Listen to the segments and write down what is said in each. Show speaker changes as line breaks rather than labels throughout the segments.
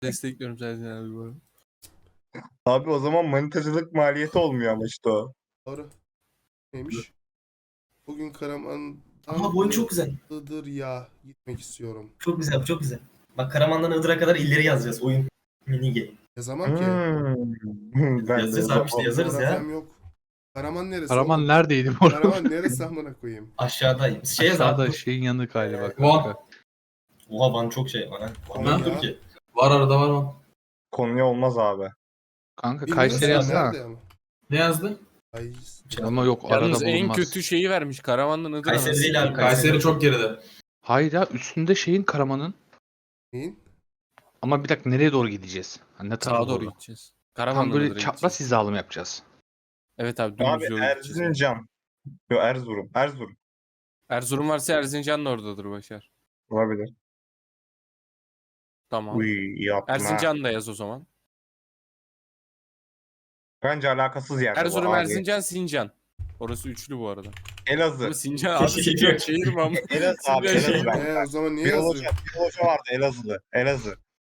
Destekliyorum Sercan abi bu arada.
Abi o zaman manitacılık maliyeti olmuyor ama işte o.
Doğru. Neymiş? Bugün Karaman'dan
Ama bu oyun çok güzel.
Iğdır ya gitmek istiyorum.
Çok güzel, çok güzel. Bak Karaman'dan Iğdır'a kadar illeri yazacağız. Oyun mini game.
Yazamam ki.
Ben de
Yazacağız abi işte yazarız ya.
Coğrafyam yok. Karaman neresi?
Karaman
oğlum?
neredeydi bu arada?
Karaman neresi amına koyayım?
Aşağıdayım. Şey yaz
Aşağıda
abi.
şeyin yanı galiba
Van.
kanka.
Oha Van çok şey var ha. Van
Konya.
yoktur ki.
Var arada var o.
Konya olmaz abi.
Kanka
Bilmiyorum
Kayseri
sen
yazsana.
nerede ama?
Ne yazdı?
Ay,
Ama yok
Yalnız
arada
en
bulunmaz.
kötü şeyi vermiş. Karaman'dan Iğdır'a
Kayseri
nasıl?
değil abi.
Kayseri çok geride.
Hayır ya üstünde şeyin Karaman'ın.
neyin?
Ama bir dakika nereye doğru gideceğiz? Hani ne tarafa
Sağa doğru gideceğiz.
Tam
Karaman'dan
böyle
Iğdır'a
çapraz
gideceğiz.
hizalı mı yapacağız?
Evet abi dümdüz
Abi
yolu gideceğiz.
Erzincan. Yok Erzurum. Erzurum.
Erzurum varsa Erzincan da oradadır Başar.
Olabilir.
Tamam.
Uy iyi yaptın ha.
Erzincan da yaz o zaman.
Bence alakasız yerde bu
Erzurum,
abi.
Erzincan, Sincan. Orası üçlü bu arada.
Elazığ.
Ama Sincan abi Sincan şehir mi ama?
Elazığ abi
Sincan
Elazığ
şehir.
ben.
O zaman niye
Bir hoca,
yazıyor?
bir hoca vardı Elazığ'da. Elazığ.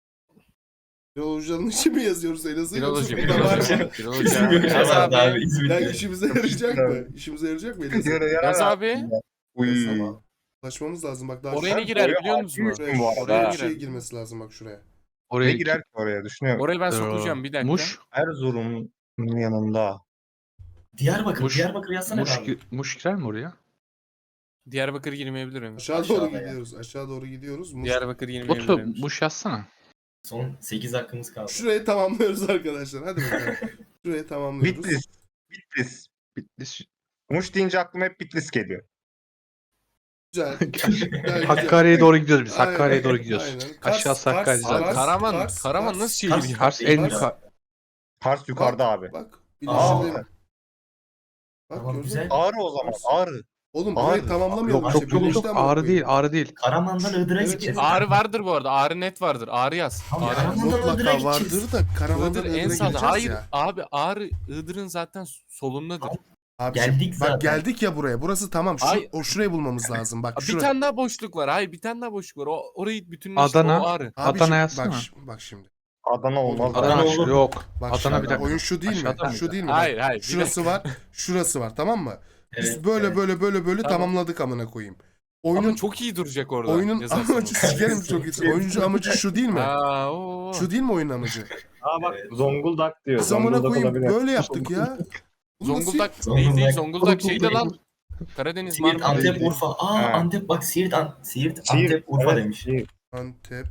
Yolcuların için mi yazıyoruz Elazığ?
Filoloji,
Yoksa burada var
filoloji.
mı?
Filoloji.
Kesin bir
Yaz
şey vardı
abi.
abi. İzmir'de.
Ya işimize yarayacak mı? İşimize yarayacak mı Elazığ?
Yaz abi.
Uy.
Tamam. Ulaşmamız lazım bak daha
Oraya ne
şu-
girer
Oraya
biliyor musun?
hakim bu arada.
Oraya
bir şey
girer.
girmesi lazım bak şuraya.
Ne
Oraya
girer ki oraya düşünüyorum.
Orayı ben sokacağım bir dakika.
Muş.
Erzurum'un yanında.
Diyarbakır.
Muş.
Diyarbakır yazsana
Muş,
abi.
Muş girer mi oraya?
Diyarbakır girmeyebilir mi?
Aşağı doğru
Aşağıda ya.
gidiyoruz. Aşağı doğru gidiyoruz.
Diyarbakır
Botu
girmeyebilir.
Muş yazsana.
Son 8 hakkımız kaldı.
Şurayı tamamlıyoruz arkadaşlar. Hadi bakalım. Şurayı tamamlıyoruz.
Bitlis. Bitlis.
Bitlis.
Muş deyince aklıma hep Bitlis geliyor.
Güzel. Güzel.
Hakkari'ye doğru gidiyoruz biz.
Aynen,
Hakkari'ye doğru gidiyoruz.
aynen.
Aşağısı Hakkari
Kars,
Abi
zaten.
Karaman, Karaman
Kars.
nasıl şehir
Kars.
ya?
Kars en
Kars.
yukarı.
Kars yukarıda abi.
Bak.
Aa.
Birleştirdim. Bak
Tamam,
gördün
güzel.
mü?
Ağrı o zaman. Ağrı.
Oğlum burayı
Ağrı.
tamamlamayalım.
Yok
işte,
çok çok
birleşti
çok
ama
ağrı
koyayım.
değil ağrı değil.
Karaman'dan Iğdır'a
Evet,
gideceğiz.
Ağrı vardır bu arada. Ağrı net vardır. Ağrı yaz.
Tamam,
Ağrı
Karaman-
yaz.
Iğdır'a
Mutlaka
gideceğiz.
vardır da Karaman'dan
Iğdır
Iğdır'a
en sağda.
gideceğiz
Hayır
ya.
abi Ağrı Iğdır'ın zaten solundadır.
Abi
Geldik
bak
zaten.
geldik ya buraya. Burası tamam.
Ay.
Şurayı bulmamız lazım. Bak
Bir
şuraya.
tane daha boşluk var. Hayır bir tane daha boşluk var. Orayı bütünleştir.
Adana.
O Ağrı.
Abi
Adana
şimdi-
yazsana.
bak şimdi.
Adana olmaz.
Adana
Adana
olur.
yok.
Bak
Adana
şimdi.
bir dakika.
Oyun şu değil mi?
Aşağıda mıydı?
Şu değil mi?
Hayır
Bak,
hayır. bir
şurası
dakika.
var. Şurası var tamam mı? Biz
Evet,
böyle
evet.
böyle
Tamam.
tamamladık amına koyayım.
Ama
Oyunun
çok iyi duracak orada.
oyunun
yazarsan
amacı
onu.
sikerim çok iyi. Oyuncu amacı şu değil mi?
Aa, oo.
Şu değil mi oyunun amacı?
Aa bak
Evet.
Zonguldak diyor.
Biz amına
Zonguldak
koyayım
olabilir.
böyle yaptık ya. Bunu nasıl-
Zonguldak
Zonguldak.
değil Zonguldak şeyde lan. Karadeniz
Siirt,
Marmara.
Antep, Urfa. Aa
Ha.
Antep bak Siirt,
Siirt,
Antep, Urfa
evet,
demiş.
Siirt.
Antep.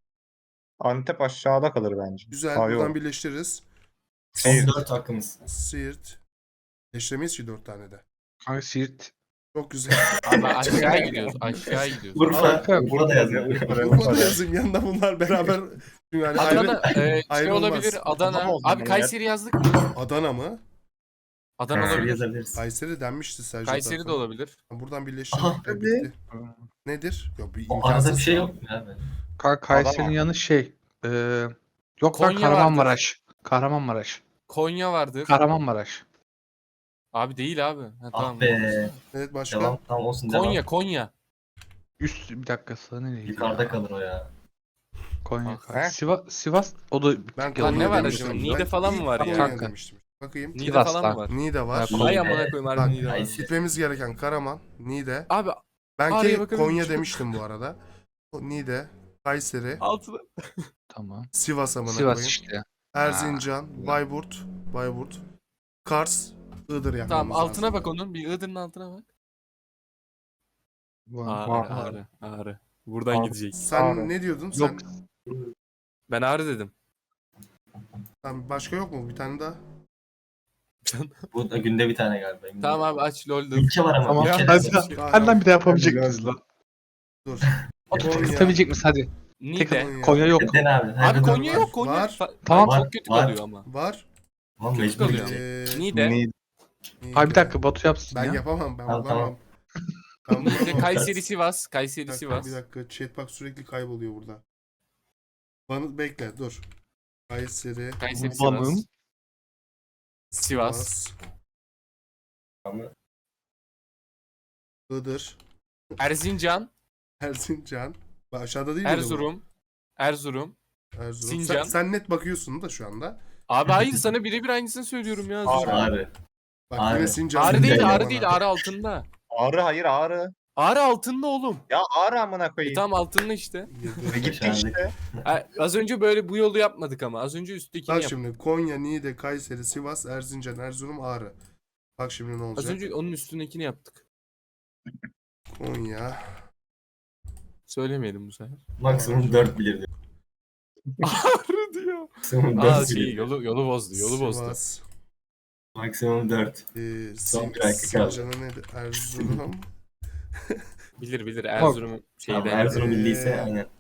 Antep aşağıda kalır bence.
Güzel.
Aa, yok.
Buradan birleştiririz.
Son
Siirt.
4 hakkımız.
Siirt. Birleştiremeyiz ki 4 tane de.
Kanka Siirt.
Çok güzel.
Abi aşağı gidiyoruz. Aşağı gidiyoruz.
Urfa,
Kanka,
Urfa da yazıyor.
Urfa'da yazayım yanında bunlar beraber. Yani
Adana şey
ayrılmaz.
olabilir.
Adana
Adana.
o zaman
Abi
ya.
Kayseri yazdık mı?
Adana mı?
Adana
Kayseri
olabilir.
yazabiliriz.
Kayseri denmişti Sercan.
Kayseri de
tarafına.
olabilir.
Buradan birleştirdik.
Aha.
de bitti. Nedir? Yok bir
O
imkansız.
arada bir şey yok mu abi?
Kanka Kayseri'nin
Adana.
yanı şey. Yok lan
Konya
Kahramanmaraş. Kahramanmaraş.
Konya vardır.
Kahramanmaraş.
Abi değil abi. Ha,
Ah
tamam.
be.
Evet başka.
Devam, tamam olsun
Konya
devam.
Konya.
Üst bir dakika sana nereye gidiyor?
Yukarıda kalır o ya.
Konya.
He?
Sivas o da
Ben
Yalan
Lan ne var
demiştim.
acaba? Niğde
Ben
falan mı
ilk
var ya?
Konya
Kanka.
demiştim. Bakayım.
Niğde
Sivas'tan.
falan mı var?
Niğde var.
Ha,
Ay amına koyayım
Bak,
harbi Niğde var.
ay,
Gitmemiz gereken Karaman, Niğde.
Abi
Ben
Ağrı'ya
ki
bakabilir
Konya
miyim?
demiştim bu arada. Niğde, Kayseri,
altına.
tamam.
Sivas amına
Sivas
koyayım.
işte.
Erzincan, Bayburt, Kars, Iğdır yapmamız
Tamam altına
lazım.
bak onun. Bir Iğdır'ın altına bak.
Var.
Ağrı. Buradan
Ağrı.
gidecek.
Sen
Ağrı.
ne diyordun?
Yok.
Ben Ağrı dedim.
Sen başka yok mu? Bir tane daha.
Bu da günde bir tane galiba. Günde.
Tamam abi aç LoL'da.
Ülke var ama.
Tamam.
Ülke
Hadi,
de-
hadi lan bir daha yapabilecek miyiz lan?
Dur.
Tutabilecek miyiz hadi.
Niğde.
Konya yok.
Neden abi?
Abi
Nerede
Konya
var?
yok Konya.
Var.
Tamam.
Çok kötü
Var.
kalıyor ama.
Var.
Tamam
Kötü
mecbur
kalıyor.
gidecek.
Niğde.
Niğde.
Ay bir dakika Batu yapsın
Ben
ya.
yapamam. Ben
Tamam,
bulamam. Ben
Niğde
bulamam.
Kayseri Sivas.
Bir
Kayseri
dakika,
Sivas.
bir dakika. Chatbox sürekli kayboluyor burada. Bana bekle dur. Kayseri,
Kayseri
Van'ın.
Sivas. Sivas.
Ama
Iğdır,
Erzincan.
Erzincan. Bak aşağıda değil miydi bu?
Erzurum.
Erzurum.
Sincan.
Sen net bakıyorsun da şu anda.
Abi hayır sana birebir aynısını söylüyorum ya.
Ağrı.
Ağrı.
Bak
Ağrı.
yine Sincan.
Ağrı
Sincan
değil,
bana.
Ağrı değil, Ağrı altında.
Ağrı hayır Ağrı.
Ağrı altında oğlum.
Ya Ağrı amına koyayım.
Tam altında işte.
Gitti işte.
Az önce böyle bu yolu yapmadık ama. Az önce üsttekini
Bak
yaptık.
şimdi Konya, Niğde, Kayseri, Sivas, Erzincan, Erzurum, Ağrı. Bak şimdi ne olacak?
Az önce onun üstündekini yaptık.
Konya.
Söylemeyelim bu sefer.
Maksimum 4 bilirdi.
Ağrı diyor.
Maksimum
Aa
4
şey
bilirdi.
yolu bozdu, yolu bozdu.
Sivas.
Maksimum 4. Son bir dakika kaldı.
Sincan'a neydi? Erzurum.
Bilir Erzurum
Tamam,
şeyden.
Erzurum bildiyse
Ee,
aynen.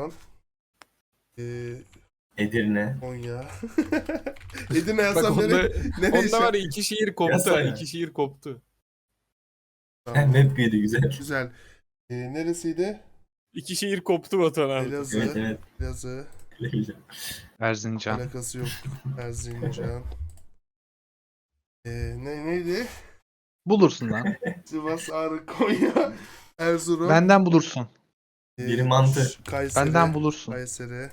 Ee,
Edirne.
Konya. Edirne
Bak
yazsam
onda,
nereye
onda var ya iki şehir koptu.
Yasana.
İki şehir koptu.
Tamam.
Map büyüdü güzel.
Güzel. Neresiydi?
İki şehir koptu vatan abi.
Elazığ.
Evet evet.
Elazığ.
Öyle güzel.
Erzincan.
Alakası yok. Erzincan. Neydi?
Bulursun lan.
Sivas, Ağrı, Konya, Erzurum.
Benden bulursun.
Biri mantı.
Kayseri.
Benden bulursun.
Kayseri.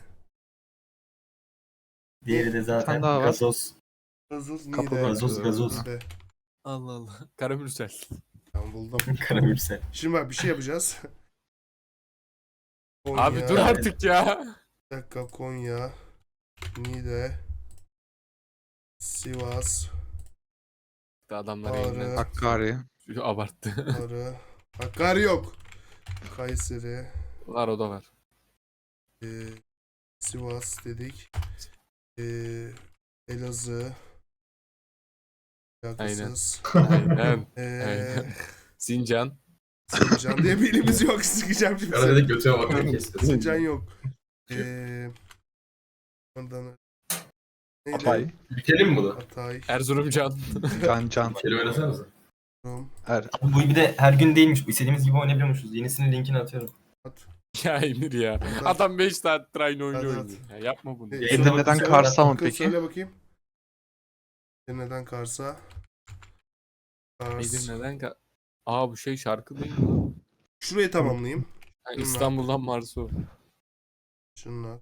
Diğeri de zaten
tane daha var.
gazoz.
Gazoz,
Kapı
Niğde.
gazoz.
Niğde.
Allah Allah. Karamürsel.
Tamam buldum.
Karamürsel.
Şimdi bak bir şey yapacağız. Konya.
Abi dur artık ya.
Bir dakika Konya. Niğde. Sivas.
Adamlar
Ağrı.
elinden
Hakkari.
abarttı.
Ağrı. Hakkari yok. Kayseri.
Var o da var.
Sivas dedik. Elazığ. Alakasız.
Aynen.
Ee,
Sincan.
Sincan diye bir ilimiz yok. Sıkacağım şimdi.
Arada götüme bakıyorum kesin.
Sincan yok. Ondan neydi?
Hatay.
Bitelim mi bunu?
Hatay.
Erzurumcan.
Can.
Kelime oynasanıza.
Rum.
Bu bir de her gün değilmiş. İstediğimiz gibi oynayabiliyormuşuz. Yenisinin linkini atıyorum.
Ya Emir ya. Adam 5 saattir aynı oyunu
Hadi,
oynuyor. Ya yapma bunu.
Edirne'den
Söyle-
Kars'a mı
Bakın,
peki?
Söyle bakayım. Edirne'den Kars'a. Kars.
Edirne'den Aa bu şey şarkı değil mi?
Şurayı tamamlayayım.
Ha, İstanbul'dan Marsu.
Şunlar.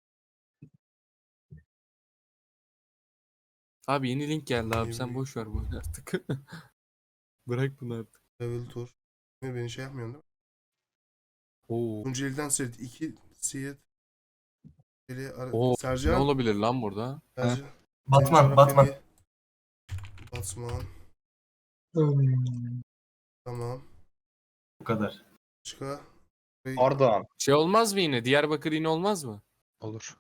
Abi yeni link geldi abi sen boş ver bunu artık. Bırak bunu artık.
Level Tour. Beni şey yapmıyorsun değil mi?
Oo.
Tunceli'den Siirt. 2 Siirt.
Oo. Ne
Sercan.
olabilir lan burada?
Sercan.
Batman,
Senin
Batman.
coğrafyayı- Batman. Tamam.
Bu kadar.
Başka.
Ardahan.
Şey olmaz mı yine? Diyarbakır yine olmaz mı?
Olur.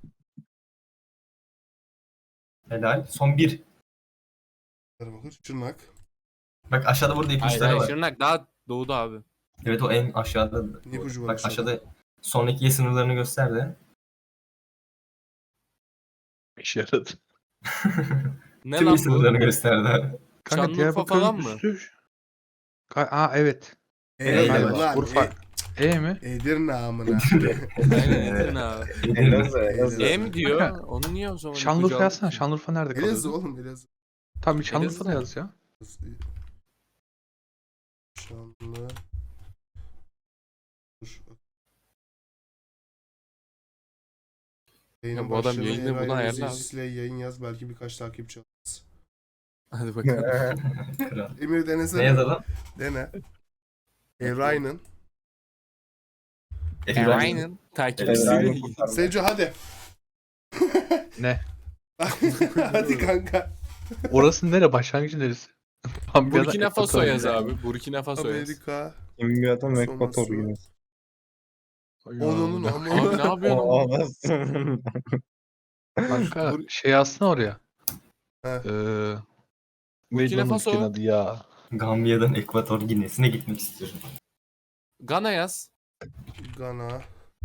Helal. Son 1.
Diyarbakır. Çırnak.
Bak aşağıda burada
Hayır
ipuçları
hayır
var.
Şırnak daha doğuda abi.
Evet o en aşağıda.
İpucu var
Bak
aşağıda.
aşağıda sonraki ye sınırlarını gösterdi.
İşe yaradı.
Ne
Tüm
lan
ye
bu?
sınırlarını gösterdi.
Kanka
Şanlıurfa
Diyarbakır'ın
falan mı?
üstü. Aa evet.
Eyle
Galiba.
lan.
Urfa. Mi?
Edirne amına.
Aynen Edirne abi.
Elazığ. Elazığ.
M diyor.
Kanka,
Onu niye o zaman?
Şanlıurfa
ipucu
yazsana.
aldın ki?
Şanlıurfa nerede
Elazığ
kalıyor?
oğlum Elazığ.
Tamam Şanlıurfa'da
Elazığ.
yaz ya.
Şanlı. Dur.
Ya bu adam yayını buna ayarla abi.
Yayın yaz belki birkaç takipçi alırız.
Hadi bakalım.
Kral.
Emir denesene.
Ne yazalım?
Dene. Ryan'ın.
Aynen. Takipçisi.
Aynen.
Seco hadi.
Ne?
Hadi kanka.
Orası nere? Başlangıcı neresi?
Burkina Faso yaz abi. Burkina Faso yaz.
Amerika.
Kimyadan
Sonrası.
Ekvator yine.
Onun
Abi ne
amına.
yapıyorsun?
O
oğlum?
anasını.
Kanka şey yazsana oraya.
He.
Neydi
Burkina
onun
Faso.
ülkenin adı ya?
Gambiya'dan Ekvator Gine'sine gitmek istiyorum.
Gana yaz.
Gana.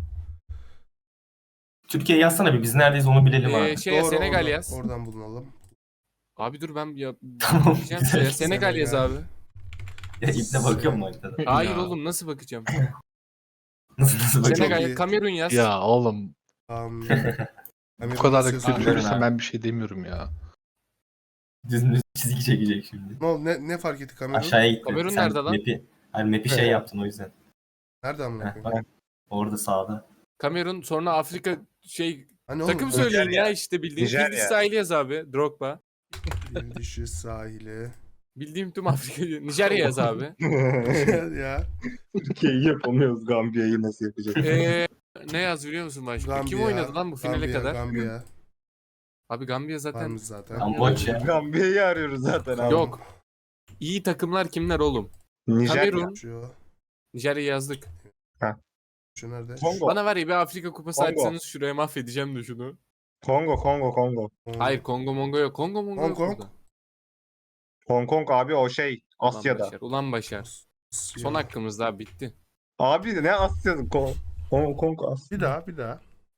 Türkiye yazsana bir biz neredeyiz onu bilelim abi.
Şeye
Doğru,
Senegal
oradan,
yaz.
Oradan bulunalım.
Abi dur ben ya
Tamam,
diyeceğim
güzel.
şeye. Senegal yaz abi.
Ya ipne bakıyor mu haritada?
Hayır
Ya.
oğlum nasıl bakacağım?
Nasıl bakıyor?
Çok iyi.
Senegal, Kamerun yaz.
Ya oğlum bu kadar da kötü
söylüyorum.
düşünürsen ben bir şey demiyorum ya.
Düz çizgi çekecek şimdi.
Ne oldu? Ne fark etti Kamerun?
Aşağıya gitti.
Kamerun
Sen
nerede lan?
Map'i şey yaptın o yüzden.
Nerede amına
Heh,
koyayım?
bak. Orada sağda.
Kamerun sonra Afrika şey
Hani oğlum,
takım söyleyin
Nijerya.
ya işte bildiğin.
Nijerya.
Fil dişi sahili yaz abi. Drogba.
Fil dişi sahili.
Bildiğim tüm Afrika. Nijerya yaz abi.
ya.
Türkiye'yi yapamıyoruz. Gambiya'yı nasıl yapacağız?
Ne yaz biliyor musun başka?
Gambiya.
Kim oynadı lan bu finale
Gambiya,
kadar?
Gambiya.
Abi Gambiya zaten
Varmış zaten.
Kamboçya.
Gambiya'yı arıyoruz zaten abi.
yok. İyi takımlar kimler oğlum?
Nijerya.
Kamerun.
Şu.
Nijerya yazdık.
Şu nerede?
Kongo.
Bana var ya bir Afrika kupası
Kongo.
açsanız şuraya mahvedeceğim de şunu.
Kongo.
Hayır Kongo Mongo yok. Kongo Mongo
Hong
yok
Kong.
burada.
Hong Kong abi o şey
Ulan
Asya'da.
Başar, Ulan Başar. Son hakkımız daha bitti.
Abi ne Asya'da? Hong Kong Asya.
Bir daha.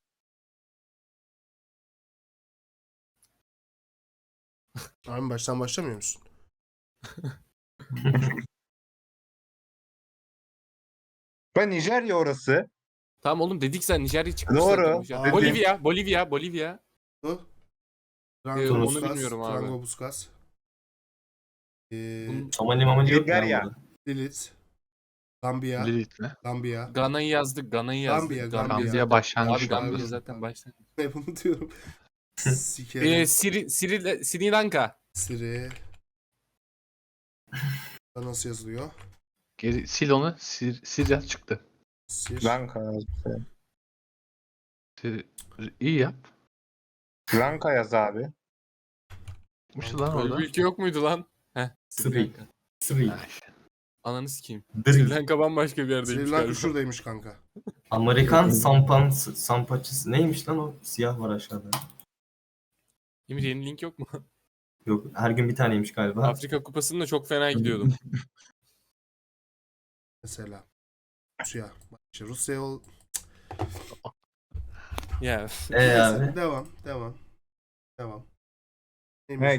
Abi baştan başlamıyor musun?
Ben Nijerya orası.
Tamam oğlum dedik sen Nijerya çıkmış.
Doğru.
zaten Nijerya.
Dedim.
Bolivya.
Bu.
onu bilmiyorum abi.
Frango Busquets.
Bunun-
Somali mamali yok
Bulgarya.
ya burada.
Lilith. Gambiya.
Lilith mi?
Gambiya.
Gana'yı yazdık.
Gambiya.
Gambiya başlangıç
Abi Gambiya
Gambiya.
zaten başlangıç.
Ne bunu diyorum. Sikerim.
Sri Lanka.
Siri. Nasıl yazılıyor?
Geri sil onu. Sirya çıktı.
Sir.
Lanka.
İyi yap.
Lanka yaz abi.
Çıkmıştı lan
Böyle
orada.
bir ülke yok muydu lan? Heh. Sri
Sri.
Lanka.
Sri.
Ha,
Ananı sikeyim. Sri
Dri.
Lanka bambaşka bir yerdeymiş
Sri Lanka
galiba.
şuradaymış kanka.
Amerikan sampaçısı. Neymiş lan o? Siyah var aşağıda.
Emir yeni link yok mu?
Yok her gün bir taneymiş galiba.
Afrika kupasında çok fena gidiyordum.
Mesela. Rusya. Bak işte Rusya ol.
Ya.
Abi.
Devam.
Ne